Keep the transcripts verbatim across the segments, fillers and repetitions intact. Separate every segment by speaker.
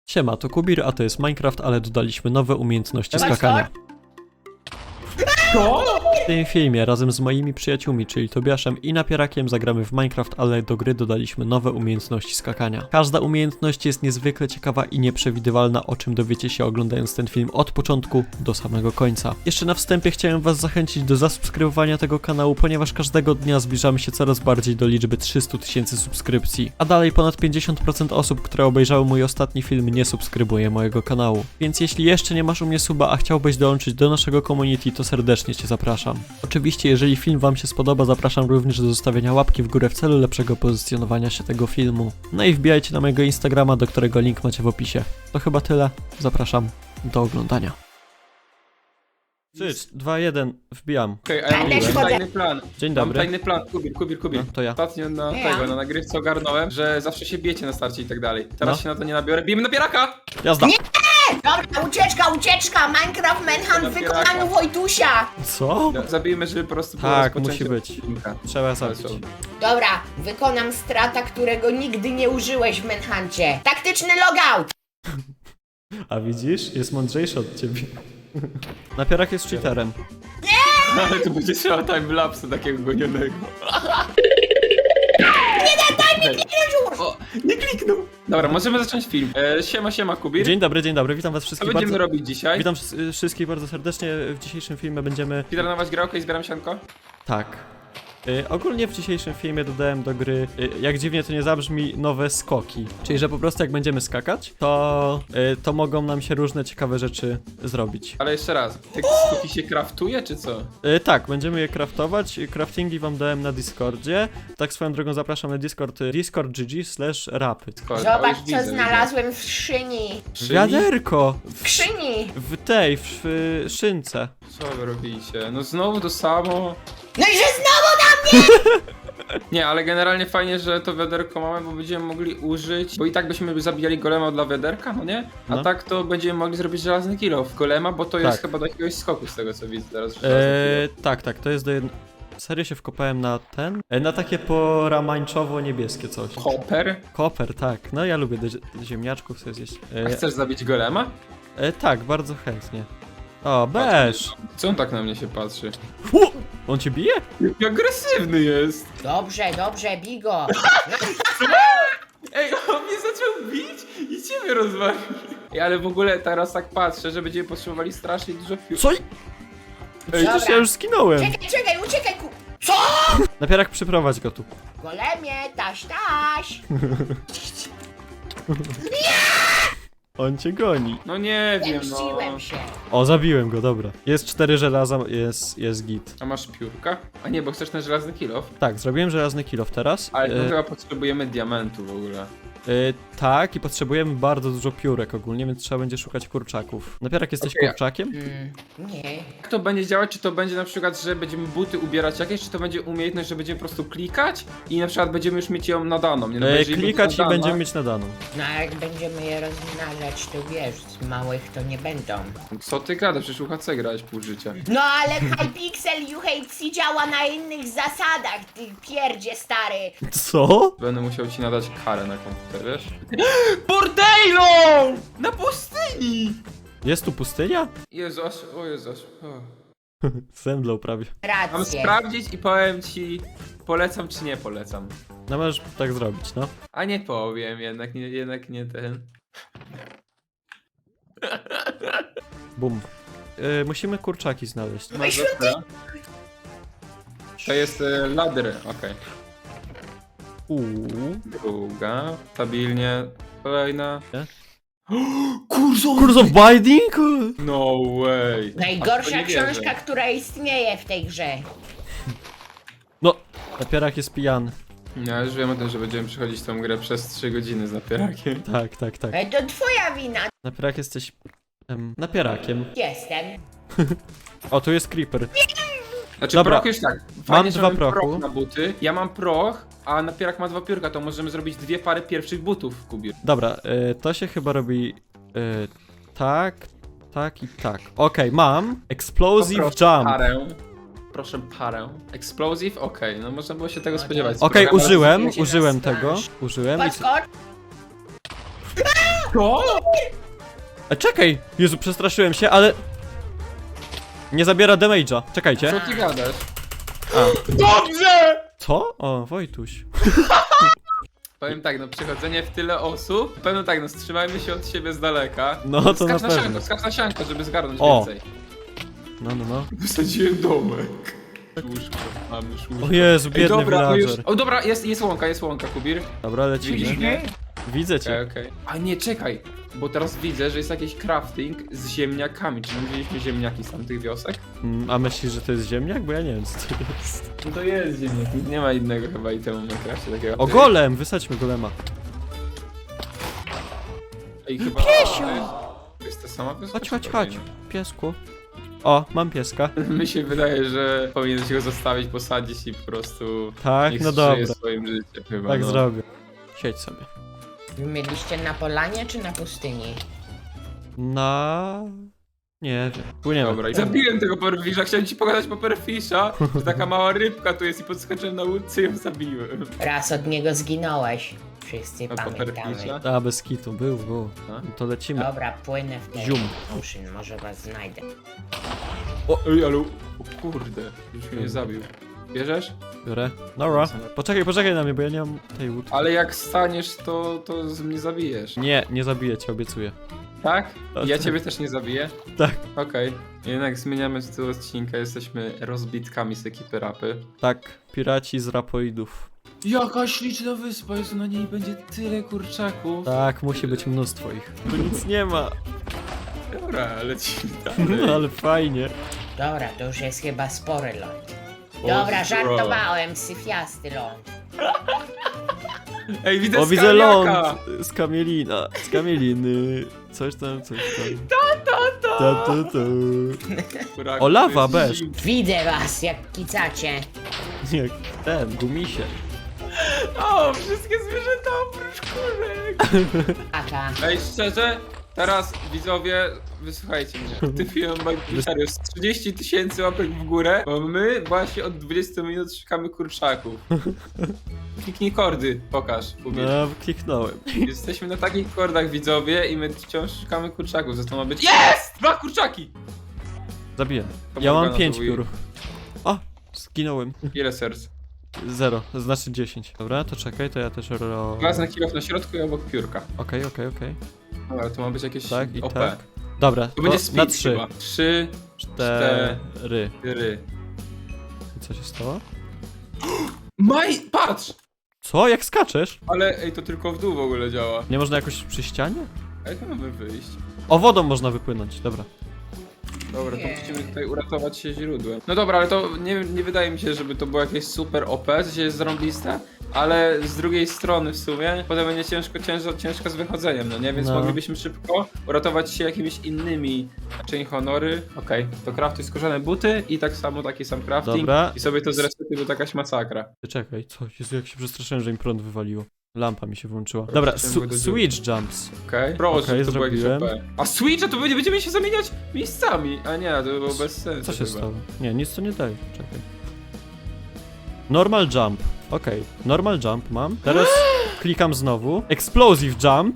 Speaker 1: Siema, to Kubir, a to jest Minecraft, ale dodaliśmy nowe umiejętności skakania.
Speaker 2: Co?
Speaker 1: W tym filmie razem z moimi przyjaciółmi, czyli Tobiaszem i Napierakiem, zagramy w Minecraft, ale do gry dodaliśmy nowe umiejętności skakania. Każda umiejętność jest niezwykle ciekawa i nieprzewidywalna, o czym dowiecie się oglądając ten film od początku do samego końca. Jeszcze na wstępie chciałem was zachęcić do zasubskrybowania tego kanału, ponieważ każdego dnia zbliżamy się coraz bardziej do liczby trzystu tysięcy subskrypcji. A dalej ponad pięćdziesiąt procent osób, które obejrzały mój ostatni film, nie subskrybuje mojego kanału. Więc jeśli jeszcze nie masz u mnie suba, a chciałbyś dołączyć do naszego community, to serdecznie cię zapraszam. Oczywiście, jeżeli film wam się spodoba, zapraszam również do zostawienia łapki w górę w celu lepszego pozycjonowania się tego filmu. No i wbijajcie na mojego Instagrama, do którego link macie w opisie. To chyba tyle. Zapraszam do oglądania. trzy, dwa, jeden, wbijam.
Speaker 2: Okej, okay, a ja mam tajny plan.
Speaker 1: Dzień
Speaker 2: Mam
Speaker 1: dobry.
Speaker 2: tajny plan, Kubir, Kubir, Kubir.
Speaker 1: No, to ja.
Speaker 2: Ostatnio na
Speaker 3: Nie,
Speaker 2: tego,
Speaker 3: ja.
Speaker 2: na nagrywce ogarnąłem, że zawsze się bijecie na starcie i tak dalej. Teraz
Speaker 1: No.
Speaker 2: się na to nie nabiorę. Bijemy napieraka!
Speaker 1: Jazda!
Speaker 3: Nie! Dobra, ucieczka, ucieczka! Minecraft Manhunt w wykonaniu Wojtusia!
Speaker 1: Co?
Speaker 2: No, zabijmy, żeby po prostu było
Speaker 1: Tak,
Speaker 2: rozpoczęcie
Speaker 1: musi być.
Speaker 2: odcinka.
Speaker 1: Trzeba zabić.
Speaker 3: Dobra, wykonam strata, którego nigdy nie użyłeś w Manhuncie. Taktyczny logout!
Speaker 1: A widzisz? Jest mądrzejszy od ciebie. Napierak jest cheaterem.
Speaker 2: Ale tu będzie trzeba timelapse takiego gonionego.
Speaker 3: Nie daj mi już!
Speaker 2: O, nie kliknął! Dobra, możemy zacząć film. E, siema, siema, Kubir.
Speaker 1: Dzień dobry, dzień dobry, witam was
Speaker 2: Co
Speaker 1: wszystkich
Speaker 2: będziemy
Speaker 1: bardzo...
Speaker 2: robić dzisiaj?
Speaker 1: Witam wszy- wszystkich bardzo serdecznie. W dzisiejszym filmie będziemy...
Speaker 2: Speedrunować grę, okej, zbieram sianko.
Speaker 1: Tak. Y, ogólnie w dzisiejszym filmie dodałem do gry, y, jak dziwnie to nie zabrzmi, nowe skoki. Czyli, że po prostu jak będziemy skakać, to, y, to mogą nam się różne ciekawe rzeczy zrobić.
Speaker 2: Ale jeszcze raz, te skoki się kraftuje, czy co?
Speaker 1: Y, tak, będziemy je craftować. Craftingi wam dałem na Discordzie. Tak swoją drogą zapraszam na Discord, y, discord.gg slash rapy.
Speaker 2: O,
Speaker 3: Zobacz,
Speaker 2: już widzę,
Speaker 3: co znalazłem w szyni.
Speaker 2: widzę.
Speaker 1: Wiaderko!
Speaker 3: W krzyni!
Speaker 1: W tej, w, w szynce.
Speaker 2: Co wy robicie? No znowu to samo.
Speaker 3: No i że znowu na
Speaker 2: Nie, ale generalnie fajnie, że to wiaderko mamy, bo będziemy mogli użyć, bo i tak byśmy zabijali golema dla wiaderka, no nie? A
Speaker 1: No.
Speaker 2: tak to będziemy mogli zrobić żelazny kilo w golema, bo to jest
Speaker 1: Tak.
Speaker 2: chyba do jakiegoś skoku z tego co widzę teraz. że żelazny
Speaker 1: E, tak, tak, to jest do jednego... Serio się wkopałem na ten? E, na takie poramańczowo-niebieskie coś.
Speaker 2: kilo. Hopper?
Speaker 1: Koper, tak. No ja lubię do, do ziemniaczków sobie zjeść.
Speaker 2: A
Speaker 1: E,
Speaker 2: chcesz zabić golema?
Speaker 1: e, tak, bardzo chętnie. O, beż!
Speaker 2: Co on tak na mnie się patrzy?
Speaker 1: Fu! On cię bije?
Speaker 2: Jaki agresywny jest!
Speaker 3: Dobrze, dobrze, bigo!
Speaker 2: Ej, on mnie zaczął bić i ciebie rozwalił. Ej, ale w ogóle teraz tak patrzę, że będziemy potrzebowali strasznie dużo piór.
Speaker 1: Co? Przecież
Speaker 3: Dobra.
Speaker 1: ja już skinąłem.
Speaker 3: Czekaj, czekaj, uciekaj ku... Co?
Speaker 1: Napierak, przyprowadź go tu.
Speaker 3: Golemie, taś, taś!
Speaker 1: On cię goni.
Speaker 2: No nie wiem, no.
Speaker 3: Zemściłem się.
Speaker 1: O, zabiłem go, dobra. Jest cztery żelaza, jest, jest git.
Speaker 2: A masz piórka? A nie, bo chcesz ten żelazny kill.
Speaker 1: Tak, zrobiłem żelazny kilof teraz.
Speaker 2: Ale to
Speaker 1: E,
Speaker 2: chyba potrzebujemy diamentu w ogóle.
Speaker 1: e, tak, i potrzebujemy bardzo dużo piórek ogólnie, więc trzeba będzie szukać kurczaków. Napierak, jesteś
Speaker 2: Okej.
Speaker 1: kurczakiem?
Speaker 3: Mm, nie.
Speaker 2: Jak to będzie działać? Czy to będzie na przykład, że będziemy buty ubierać jakieś, czy to będzie umiejętność, że będziemy po prostu klikać i na przykład będziemy już mieć ją nadaną, nie? No, bo
Speaker 1: E,
Speaker 2: jeżeli
Speaker 1: klikać
Speaker 2: będzie
Speaker 1: i
Speaker 2: nadana-
Speaker 1: będziemy mieć nadaną.
Speaker 3: No a jak będziemy je rozmnażać, to wiesz, z małych to nie będą.
Speaker 2: Co ty gadasz? Przecież U H C grałeś pół życia.
Speaker 3: No ale Hypixel U H C działa na innych zasadach, ty pierdzie stary.
Speaker 1: Co?
Speaker 2: Będę musiał ci nadać karę na komputer, wiesz? Bordejlo! Na pustyni!
Speaker 1: Jest tu pustynia?
Speaker 2: Jezu, aż, o Jezu, aż, o.
Speaker 1: Zemdlał prawie.
Speaker 2: Mam
Speaker 3: Rację.
Speaker 2: sprawdzić i powiem ci, polecam czy nie polecam.
Speaker 1: No możesz tak zrobić, no.
Speaker 2: A nie powiem, jednak nie, jednak nie ten.
Speaker 1: Bum. E, musimy kurczaki znaleźć.
Speaker 2: Masz dobra. To jest e, ladder, okej.
Speaker 1: Uuu.
Speaker 2: Druga, stabilnie, kolejna.
Speaker 1: Nie?
Speaker 2: Kurzo!
Speaker 1: Curse of Binding?
Speaker 2: No way! Aż to
Speaker 3: Najgorsza
Speaker 2: nie wierzę.
Speaker 3: książka, która istnieje w tej grze.
Speaker 1: No, napierak jest pijany.
Speaker 2: Ja już wiem o tym, że będziemy przechodzić tą grę przez trzy godziny z napierakiem.
Speaker 1: Tak, tak, tak.
Speaker 3: E, To twoja wina.
Speaker 1: Napierak jesteś... Em, napierakiem.
Speaker 3: Jestem.
Speaker 1: O, tu jest creeper.
Speaker 2: Znaczy
Speaker 1: Dobra.
Speaker 2: proch już tak. Fajnie, że
Speaker 1: dwa
Speaker 2: mamy
Speaker 1: prochu.
Speaker 2: proch na buty. Ja mam proch, a napierak ma dwa piórka, to możemy zrobić dwie pary pierwszych butów w kubie.
Speaker 1: Dobra, e, to się chyba robi... E, tak, tak i tak. Okej, mam. Explosive
Speaker 2: Poproszę
Speaker 1: Jump.
Speaker 2: Parę. Proszę parę. Explosive? Okej, no można było się tego
Speaker 3: No
Speaker 2: spodziewać.
Speaker 3: to-
Speaker 1: Okej,
Speaker 2: Program-
Speaker 1: użyłem,
Speaker 3: Będzie
Speaker 1: użyłem
Speaker 3: nas
Speaker 1: tego.
Speaker 3: znasz.
Speaker 1: Użyłem i...
Speaker 3: Podskocz.
Speaker 2: Co?
Speaker 1: E, czekaj! Jezu, przestraszyłem się, ale... Nie zabiera damage'a. Czekajcie.
Speaker 2: Co ty gadasz?
Speaker 1: A.
Speaker 2: Dobrze!
Speaker 1: Co? O, Wojtuś.
Speaker 2: Powiem tak, no przechodzenie w tyle osób, pewno tak, no wstrzymajmy się od siebie z daleka.
Speaker 1: No, to
Speaker 2: skacz
Speaker 1: na
Speaker 2: na
Speaker 1: pewno.
Speaker 2: sianko, skacz na sianko, żeby zgarnąć
Speaker 1: O.
Speaker 2: więcej.
Speaker 1: No, no, no.
Speaker 2: Wysadziłem domek. Łóżko, mamy już łóżko.
Speaker 1: O Jezu,
Speaker 2: Ej,
Speaker 1: biedny
Speaker 2: dobra, no już...
Speaker 1: villager.
Speaker 2: O dobra, jest, jest łąka, jest łąka, Kubir.
Speaker 1: Dobra,
Speaker 2: Widzisz
Speaker 1: lecimy.
Speaker 2: mnie?
Speaker 1: Widzę
Speaker 2: Okej,
Speaker 1: cię.
Speaker 2: okej. A nie, czekaj, bo teraz widzę, że jest jakiś crafting z ziemniakami. Czy my wzięliśmy ziemniaki z tamtych wiosek?
Speaker 1: Mm, A myślisz, że to jest ziemniak? Bo ja nie wiem, co to jest.
Speaker 2: No to jest ziemniak. Nie ma innego chyba itemu w Minecrafcie takiego.
Speaker 1: O, golem! Wysadźmy golema.
Speaker 2: Ej, chyba... Piesio! To jest ta sama wioska?
Speaker 1: Chodź,
Speaker 2: czy
Speaker 1: chodź,
Speaker 2: to
Speaker 1: chodź.
Speaker 2: inna?
Speaker 1: Piesku. O, mam pieska.
Speaker 2: Mi się wydaje, że powinieneś go zostawić, posadzić i po prostu...
Speaker 1: Tak,
Speaker 2: niech
Speaker 1: no
Speaker 2: żyje
Speaker 1: dobra.
Speaker 2: swoim życiem chyba,
Speaker 1: Tak
Speaker 2: no.
Speaker 1: zrobię. Siedź sobie.
Speaker 3: Wy mieliście na polanie czy na pustyni?
Speaker 1: Na... Nie wiem. Płyniemy.
Speaker 2: Dobra, i zabiłem tego Pufferfisha, chciałem ci pokazać Pufferfisha, że taka mała rybka tu jest i podskoczyłem na łódce i ją zabiłem.
Speaker 3: Raz od niego zginąłeś. Wszyscy
Speaker 2: A
Speaker 3: pamiętamy.
Speaker 2: Pufferfisha?
Speaker 1: A, bez kitu. Był, był.
Speaker 2: A?
Speaker 1: No to lecimy.
Speaker 3: Dobra, płynę w ten
Speaker 1: Zium.
Speaker 3: ocean, może was znajdę.
Speaker 2: O, ej, ale... O kurde, już mnie nie zabił. Bierzesz?
Speaker 1: Biorę. Dobra. Poczekaj, poczekaj na mnie, bo ja nie mam tej łódki.
Speaker 2: Ale jak staniesz, to, to z mnie zabijesz.
Speaker 1: Nie, nie zabiję cię, obiecuję.
Speaker 2: Tak?
Speaker 1: A,
Speaker 2: I ja
Speaker 1: tak.
Speaker 2: ciebie też nie zabiję?
Speaker 1: Tak.
Speaker 2: Okej. Jednak zmieniamy tytuł odcinka, jesteśmy rozbitkami z ekipy rapy.
Speaker 1: Tak, piraci z rapoidów.
Speaker 2: Jaka śliczna wyspa, jest na niej będzie tyle kurczaków.
Speaker 1: Tak, musi być mnóstwo ich. Tu nic nie ma.
Speaker 2: Dobra, lecimy
Speaker 1: No,
Speaker 2: dalej.
Speaker 1: ale fajnie.
Speaker 3: Dobra, to już jest chyba spory ląd.
Speaker 2: Boże,
Speaker 3: Dobra, żartowałem, syfiasty ląd.
Speaker 2: Ej, widzę
Speaker 1: O, widzę ląd
Speaker 2: skaliaka!
Speaker 1: z kamielina. Z kamieliny. Coś tam, coś tam. Ta, ta, ta. ta, ta.
Speaker 2: Kurak,
Speaker 1: O, lawa,
Speaker 2: to jest
Speaker 1: bez.
Speaker 2: zim-
Speaker 3: Widzę was, jak kicacie.
Speaker 1: Jak ten, gumisie.
Speaker 2: O, wszystkie zwierzęta oprócz kurek!
Speaker 3: Aka.
Speaker 2: Ej, szczerze, teraz widzowie, wysłuchajcie mnie. Ty film serio, z trzydzieści tysięcy łapek w górę, bo my właśnie od dwudziestu minut szukamy kurczaków. Kliknij kordy, pokaż, Kubir.
Speaker 1: No, kliknąłem.
Speaker 2: Jesteśmy na takich kordach, widzowie, i my wciąż szukamy kurczaków, zresztą ma być... Jest! Dwa kurczaki!
Speaker 1: Zabiję.
Speaker 2: To
Speaker 1: Ja
Speaker 2: mogę
Speaker 1: mam
Speaker 2: na
Speaker 1: pięć
Speaker 2: to
Speaker 1: piór. O, zginąłem.
Speaker 2: Ile serc?
Speaker 1: Zero, to znaczy dziesięć. Dobra, to czekaj, to ja też ro...
Speaker 2: Wezmę kilof na środku i obok piórka.
Speaker 1: Okej, okej, okej.
Speaker 2: Dobra, to ma być jakieś
Speaker 1: Tak i
Speaker 2: O P.
Speaker 1: tak. Dobra,
Speaker 2: To
Speaker 1: to
Speaker 2: będzie
Speaker 1: na
Speaker 2: speed
Speaker 1: trzy.
Speaker 2: chyba. Trzy,
Speaker 1: Cztery.
Speaker 2: cztery.
Speaker 1: I co się stało?
Speaker 2: Maj, patrz!
Speaker 1: Co? Jak skaczesz?
Speaker 2: Ale ej, to tylko w dół w ogóle działa.
Speaker 1: Nie można jakoś przy ścianie?
Speaker 2: A jak mamy wyjść?
Speaker 1: O, wodą można wypłynąć, dobra.
Speaker 2: Dobra, to
Speaker 3: Nie.
Speaker 2: musimy tutaj uratować się źródłem. No dobra, ale to nie, nie wydaje mi się, żeby to było jakieś super O P, w sensie jest zarąbiste, ale z drugiej strony w sumie potem będzie ciężko, ciężko, ciężko z wychodzeniem, no nie? Więc
Speaker 1: No.
Speaker 2: moglibyśmy szybko uratować się jakimiś innymi chain honory. Okej, to craftuj skórzane buty i tak samo taki sam crafting.
Speaker 1: Dobra.
Speaker 2: I sobie to zresetuj, bo to jakaś masakra.
Speaker 1: Czekaj, co? Jezu, jak się przestraszyłem, że mi prąd wywaliło. Lampa mi się włączyła. Dobra,
Speaker 2: chciałem
Speaker 1: su
Speaker 2: go do
Speaker 1: switch jumps.
Speaker 2: Okej? Proszę,
Speaker 1: Okej,
Speaker 2: to było jakieś
Speaker 1: zrobiłem.
Speaker 2: O P. A Switcha to będzie, będziemy się zamieniać miejscami. A nie, to by było bez sensu.
Speaker 1: Co się
Speaker 2: chyba.
Speaker 1: stało? Nie, nic to nie daje, czekaj. Normal jump. Okej, normal jump mam. Teraz klikam znowu. Explosive jump.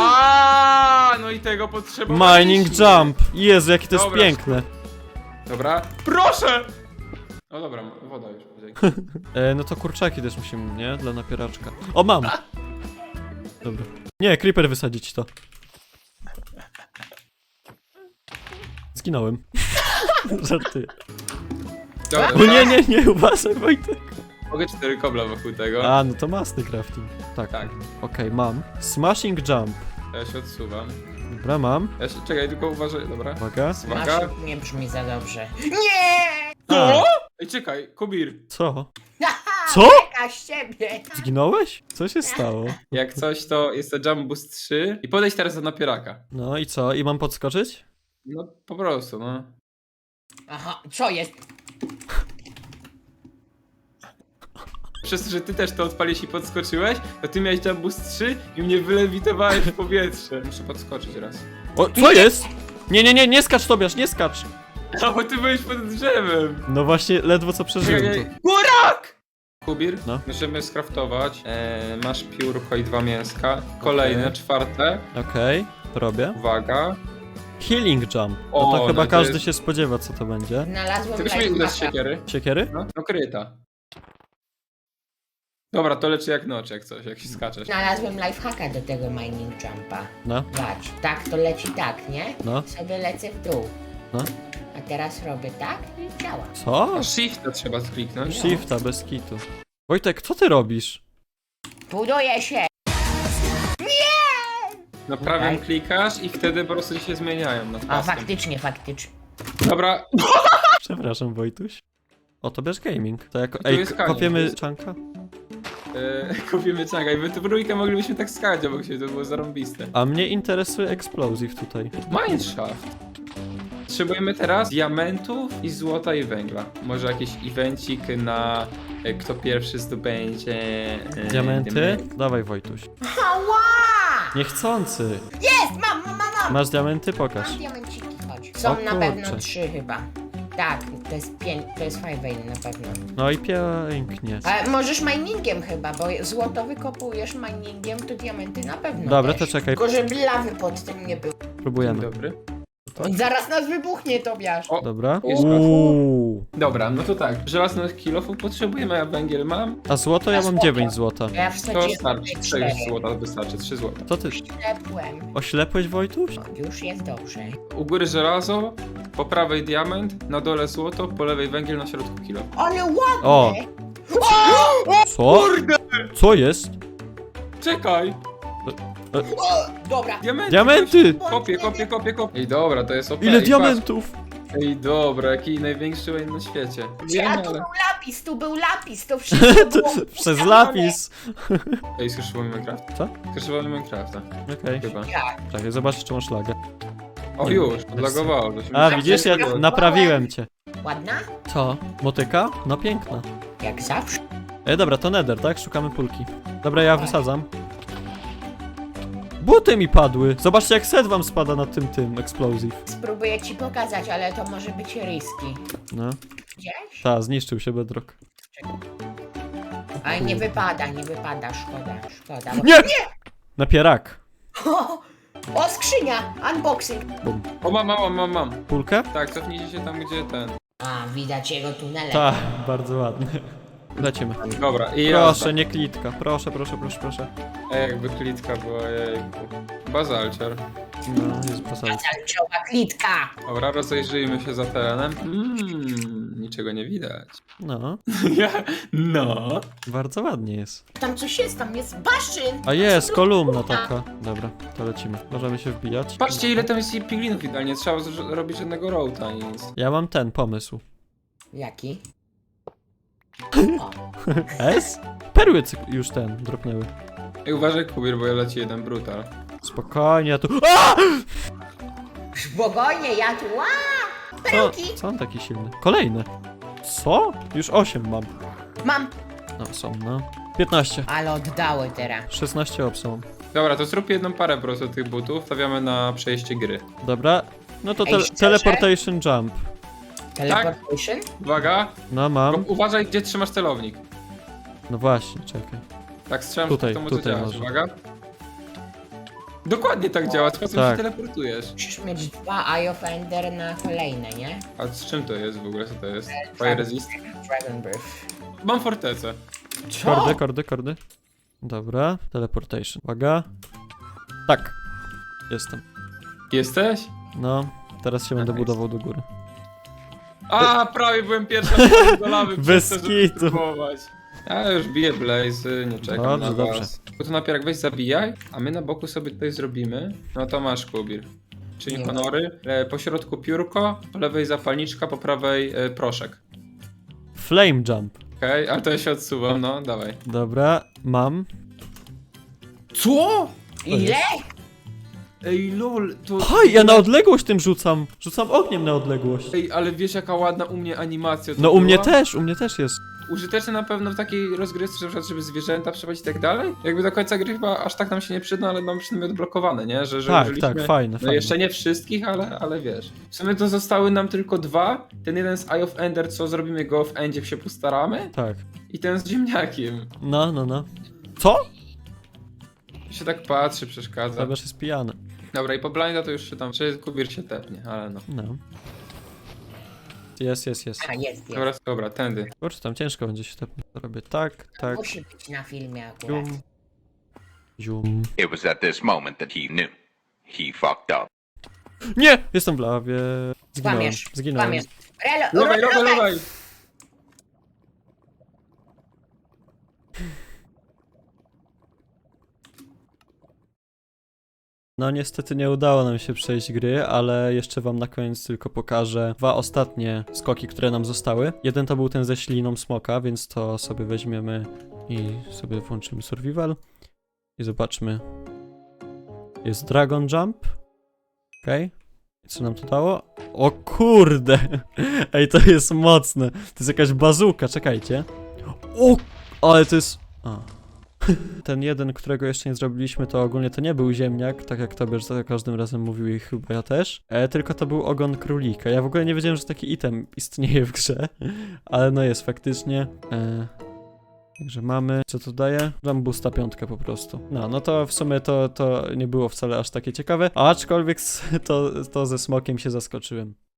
Speaker 2: A, no i tego potrzebowaliśmy.
Speaker 1: Mining jump. Jezu, jakie to jest
Speaker 2: Dobra,
Speaker 1: piękne.
Speaker 2: Dobra, proszę! No dobra, woda już. dzięki.
Speaker 1: E, no to kurczaki też musimy, nie? Dla napieraczka. O, mam! Dobra. Nie, creeper wysadzić to. Zginąłem. Żartuję.
Speaker 2: Dobra,
Speaker 1: O nie, nie, nie, uważaj, Wojtek.
Speaker 2: Mogę cztery kobla wokół tego.
Speaker 1: A, no to masny crafting. Tak.
Speaker 2: Tak,
Speaker 1: Okej, mam. Smashing jump.
Speaker 2: ja się odsuwam.
Speaker 1: Dobra, mam.
Speaker 2: Ja się, czekaj, tylko uważaj, dobra.
Speaker 1: Uwaga.
Speaker 2: Uwaga.
Speaker 3: Masz nie brzmi za dobrze. Nie!
Speaker 1: A,
Speaker 2: Ej, czekaj, Kubir.
Speaker 1: co?
Speaker 3: Haha,
Speaker 1: Co?
Speaker 3: Beka z ciebie!
Speaker 1: Zginąłeś? Co się stało?
Speaker 2: Jak coś, to jest to Jump Boost trzy. I podejdź teraz do napieraka.
Speaker 1: No i co? I mam podskoczyć?
Speaker 2: No, po prostu, no.
Speaker 3: Aha, co jest?
Speaker 2: Przez to, że ty też to odpaliłeś i podskoczyłeś, to ty miałeś Jump Boost trzy i mnie wylewitowałeś w powietrze. Muszę podskoczyć raz.
Speaker 1: O, co jest? Nie, nie, nie, nie skacz, Tobiasz, nie skacz!
Speaker 2: No, bo ty byłeś pod drzewem.
Speaker 1: No właśnie, ledwo co przeżyłem
Speaker 2: Czekaj,
Speaker 1: to.
Speaker 2: Górak! Kubir,
Speaker 1: No.
Speaker 2: musimy skraftować. E, masz piórko i dwa mięska. Kolejne,
Speaker 1: Okej.
Speaker 2: czwarte.
Speaker 1: Okej, to robię.
Speaker 2: Uwaga.
Speaker 1: Healing jump. No
Speaker 2: O,
Speaker 1: to chyba
Speaker 2: no to
Speaker 1: każdy
Speaker 2: jest-
Speaker 1: się spodziewa, co to będzie.
Speaker 3: Znalazłem
Speaker 2: Ty byś mi uda z
Speaker 3: lifehacka.
Speaker 2: siekiery.
Speaker 1: Siekiery?
Speaker 2: No, no kryta. Dobra, to leczy jak noc, jak coś, jak się skaczesz.
Speaker 3: Znalazłem lifehacka do tego mining jumpa.
Speaker 1: No,
Speaker 3: Patrz, tak to leci tak, nie?
Speaker 1: no,
Speaker 3: Sobie lecę w dół.
Speaker 1: no.
Speaker 3: A teraz robię tak i działa.
Speaker 1: Co?
Speaker 2: Shifta trzeba skliknąć.
Speaker 1: Shifta, bez kitu. Wojtek, co ty robisz?
Speaker 3: Buduję się!
Speaker 2: No prawym
Speaker 3: Okej.
Speaker 2: klikasz i wtedy po prostu się zmieniają nad
Speaker 3: A
Speaker 2: paskiem.
Speaker 3: faktycznie, faktycznie.
Speaker 2: Dobra,
Speaker 1: Przepraszam, Wojtuś. O, to bierz gaming. To jako...
Speaker 2: To
Speaker 1: Ej,
Speaker 2: jest
Speaker 1: k-
Speaker 2: kamień,
Speaker 1: kopiemy
Speaker 2: to jest-
Speaker 1: czanka?
Speaker 2: e, kupimy czanga i my tu trójkę moglibyśmy tak skakać obok siebie, to było zarąbiste.
Speaker 1: A mnie interesuje explosive tutaj.
Speaker 2: Mineshaft. Potrzebujemy teraz diamentów i złota i węgla. Może jakiś evencik na e, kto pierwszy zdobędzie e,
Speaker 1: Diamenty?
Speaker 2: diament.
Speaker 1: Dawaj, Wojtuś.
Speaker 3: Ała!
Speaker 1: Niechcący.
Speaker 3: Jest! Mam, mam, mam, mam!
Speaker 1: Masz diamenty? Pokaż.
Speaker 3: Mam diamenciki, chodź. Są
Speaker 1: O
Speaker 3: na
Speaker 1: kurczę.
Speaker 3: pewno trzy chyba. Tak, to jest pięć, to jest five vein na pewno.
Speaker 1: No i pięknie.
Speaker 3: Ale możesz miningiem chyba, bo złoto wykopujesz miningiem, to diamenty na pewno
Speaker 1: Dobra,
Speaker 3: też.
Speaker 1: to czekaj.
Speaker 3: Tylko żeby lawy pod tym nie było.
Speaker 2: Dzień
Speaker 1: Próbujemy.
Speaker 2: dobry.
Speaker 3: On zaraz nas wybuchnie, Tobiasz.
Speaker 2: O,
Speaker 1: Dobra.
Speaker 2: Jest
Speaker 1: Uuu.
Speaker 2: dobra, no to tak. Żelaznych kilofów potrzebujemy, a węgiel mam.
Speaker 1: A złoto? Ja mam dziewięć złota.
Speaker 3: Ja
Speaker 2: To
Speaker 3: wsadziłem
Speaker 2: starczy.
Speaker 3: tutaj
Speaker 2: cztery
Speaker 3: cztery.
Speaker 2: złota wystarczy, trzy złota.
Speaker 1: Co ty?
Speaker 3: Ślepłem.
Speaker 1: Oślepłeś, Wojtuś?
Speaker 3: O, już jest dobrze.
Speaker 2: U góry żelazo, po prawej diament, na dole złoto, po lewej węgiel, na środku kilo.
Speaker 3: Ale ładnie!
Speaker 1: O. Co? Co jest?
Speaker 2: Czekaj!
Speaker 3: O, dobra.
Speaker 2: Diamenty!
Speaker 1: Diamenty!
Speaker 2: Kopię, kopię, kopię, kopię. Ej, dobra, to jest O P.
Speaker 1: Ile
Speaker 2: Ej,
Speaker 1: diamentów?
Speaker 2: patrz. Ej, dobra, jaki największy wayne na świecie.
Speaker 3: A
Speaker 2: Wiemy,
Speaker 3: tu
Speaker 2: ale...
Speaker 3: był lapis, tu był lapis, to wszystko było
Speaker 1: Przez
Speaker 3: ustawione.
Speaker 1: lapis.
Speaker 2: Ej, skrzyżowany Minecraft?
Speaker 1: Co?
Speaker 2: Skrzyżowany Minecrafta,
Speaker 1: Okej.
Speaker 2: chyba.
Speaker 3: Jak?
Speaker 1: Czekaj, zobacz, czy masz lagę.
Speaker 2: O, już, odlagowało. to się
Speaker 1: A,
Speaker 2: mi-
Speaker 1: widzisz, ja
Speaker 3: Naprawiłem.
Speaker 1: naprawiłem cię.
Speaker 3: Ładna?
Speaker 1: Co? Motyka? No piękna.
Speaker 3: Jak zawsze.
Speaker 1: Ej, dobra, to nether, tak? Szukamy pulki. Dobra, ja wysadzam. Buty mi padły. Zobaczcie, jak set wam spada na tym, tym, explosive.
Speaker 3: Spróbuję ci pokazać, ale to może być riski.
Speaker 1: No.
Speaker 3: Gdzieś?
Speaker 1: Ta, zniszczył się bedrock.
Speaker 3: Ale nie wypada, nie wypada, szkoda, szkoda. Bo...
Speaker 1: Nie! Napierak.
Speaker 3: O, o, skrzynia! Unboxing!
Speaker 1: Bum.
Speaker 2: O, mam, mam, mam, mam.
Speaker 1: Pulkę?
Speaker 2: Tak, cofnijcie się tam, gdzie ten.
Speaker 3: A, widać jego tunele.
Speaker 1: Tak, bardzo ładny. Lecimy.
Speaker 2: Dobra, i
Speaker 1: Proszę, nie klitka. Proszę, proszę, proszę, proszę.
Speaker 2: Ej, jakby klitka była, jejku. Bazalciar.
Speaker 1: No, jest posadzony.
Speaker 3: Calciowa klitka!
Speaker 2: Dobra, rozejrzyjmy się za terenem. Mmm, niczego nie widać.
Speaker 1: No,
Speaker 2: no.
Speaker 1: bardzo ładnie jest.
Speaker 3: Tam coś jest, tam jest baszyn!
Speaker 1: A jest, kolumna taka. Dobra, to lecimy. Możemy się wbijać.
Speaker 2: Patrzcie, ile tam jest piglinów idealnie. Trzeba z- robić żadnego roata, nic.
Speaker 1: Ja mam ten pomysł.
Speaker 3: Jaki?
Speaker 1: S? Perły cyk- już ten, dropnęły.
Speaker 2: Ej, uważaj, Kubir, bo ja leci jeden brutal.
Speaker 1: Spokojnie, ja tu... A!
Speaker 3: Spokojnie, ja tu... Ła!
Speaker 1: Co,
Speaker 3: Perełki!
Speaker 1: co on taki silny? Kolejne. Co? Już osiem mam.
Speaker 3: Mam!
Speaker 1: No, są, no. piętnaście.
Speaker 3: Ale oddały teraz.
Speaker 1: szesnaście obsą.
Speaker 2: Dobra, to zrób jedną parę po prostu tych butów, stawiamy na przejście gry.
Speaker 1: Dobra. No to
Speaker 3: Ej,
Speaker 1: te
Speaker 3: szczerze?
Speaker 1: teleportation jump.
Speaker 3: Teleportation?
Speaker 2: Uwaga,
Speaker 1: No
Speaker 2: tylko
Speaker 1: mam.
Speaker 2: uważaj, gdzie trzymasz celownik.
Speaker 1: No właśnie, czekaj.
Speaker 2: Tak strzelam,
Speaker 1: Tutaj,
Speaker 2: że to może
Speaker 1: tutaj
Speaker 2: działać.
Speaker 1: może.
Speaker 2: Uwaga. Dokładnie tak działa, sposób
Speaker 1: Tak.
Speaker 2: się teleportujesz.
Speaker 3: Musisz mieć dwa Eye of Ender na kolejne, nie?
Speaker 2: A z czym to jest w ogóle, co to jest? Fire resist?
Speaker 3: Dragon Breath.
Speaker 2: Mam fortecę.
Speaker 1: Kordy, kordy, kordy. Dobra, teleportation. Uwaga. Tak. Jestem.
Speaker 2: Jesteś?
Speaker 1: No, teraz się będę
Speaker 2: Nice.
Speaker 1: budował do góry.
Speaker 2: A, prawie byłem pierwszy do lawy
Speaker 1: Bez
Speaker 2: przez to, żeby
Speaker 1: kitu.
Speaker 2: spróbować. Ja już biję blazy, nie czekam
Speaker 1: Dobrze,
Speaker 2: na
Speaker 1: dobrze.
Speaker 2: was. Bo to napierak weź zabijaj, a my na boku sobie tutaj zrobimy. No to masz, Kubir. Czyli
Speaker 3: Nie
Speaker 2: honory. E, po środku piórko, po lewej zapalniczka, po prawej e, proszek.
Speaker 1: Flame jump.
Speaker 2: Okej, okay? Ale to ja się odsuwam, no dawaj.
Speaker 1: Dobra, mam.
Speaker 2: Co?
Speaker 3: Ile?
Speaker 2: Ej lol, to...
Speaker 1: Haj, ja na odległość tym rzucam. Rzucam ogniem na odległość.
Speaker 2: Ej, ale wiesz jaka ładna u mnie animacja to
Speaker 1: No u mnie
Speaker 2: była?
Speaker 1: też, u mnie też jest.
Speaker 2: użyteczne na pewno w takiej rozgrywce, że na przykład, żeby zwierzęta przeprowadzić i tak dalej. Jakby do końca gry chyba aż tak nam się nie przyda, ale mam przynajmniej odblokowane, nie? Że, że
Speaker 1: Tak,
Speaker 2: użyliśmy,
Speaker 1: tak, fajne,
Speaker 2: no
Speaker 1: fajne.
Speaker 2: jeszcze nie wszystkich, ale, ale wiesz. W sumie to zostały nam tylko dwa. Ten jeden z Eye of Ender, co zrobimy go w Endzie, jak się postaramy.
Speaker 1: Tak.
Speaker 2: I ten z ziemniakiem.
Speaker 1: No, no, no. Co?
Speaker 2: Się tak patrzy, przeszkadza.
Speaker 1: Zabiasz jest pijany.
Speaker 2: Dobra, i po blinda to już się tam, czy Kubir się tepnie, ale no.
Speaker 1: No. Jest, jest, jest.
Speaker 3: A, jest, jest.
Speaker 2: Dobra, dobra, tędy.
Speaker 1: Kurczę, tam ciężko będzie się tepnąć. To robię tak, tak,
Speaker 3: Musi być na filmie akurat.
Speaker 1: zium, zium.
Speaker 4: It was at this moment that he knew. He fucked up.
Speaker 1: Nie! Jestem w lawie. Zginąłem.
Speaker 3: Kłamiesz,
Speaker 1: Zginąłem.
Speaker 3: kłamiesz. Relo,
Speaker 2: Lowaj, lowaj, lowaj!
Speaker 1: No niestety nie udało nam się przejść gry, ale jeszcze wam na koniec tylko pokażę dwa ostatnie skoki, które nam zostały. Jeden to był ten ze śliną smoka, więc to sobie weźmiemy i sobie włączymy survival. I zobaczmy. Jest dragon jump. Okej. Okay. I co nam to dało? O kurde! Ej, to jest mocne. To jest jakaś bazuka, czekajcie. O! Ale to jest... A. Ten jeden, którego jeszcze nie zrobiliśmy, to ogólnie to nie był ziemniak, tak jak Tobie za każdym razem mówił i chyba ja też, e, tylko to był ogon królika. Ja w ogóle nie wiedziałem, że taki item istnieje w grze, ale no jest faktycznie. E, także mamy, co to daje? Rambusta piątkę po prostu. No, no to w sumie to, to nie było wcale aż takie ciekawe, aczkolwiek to, to ze smokiem się zaskoczyłem.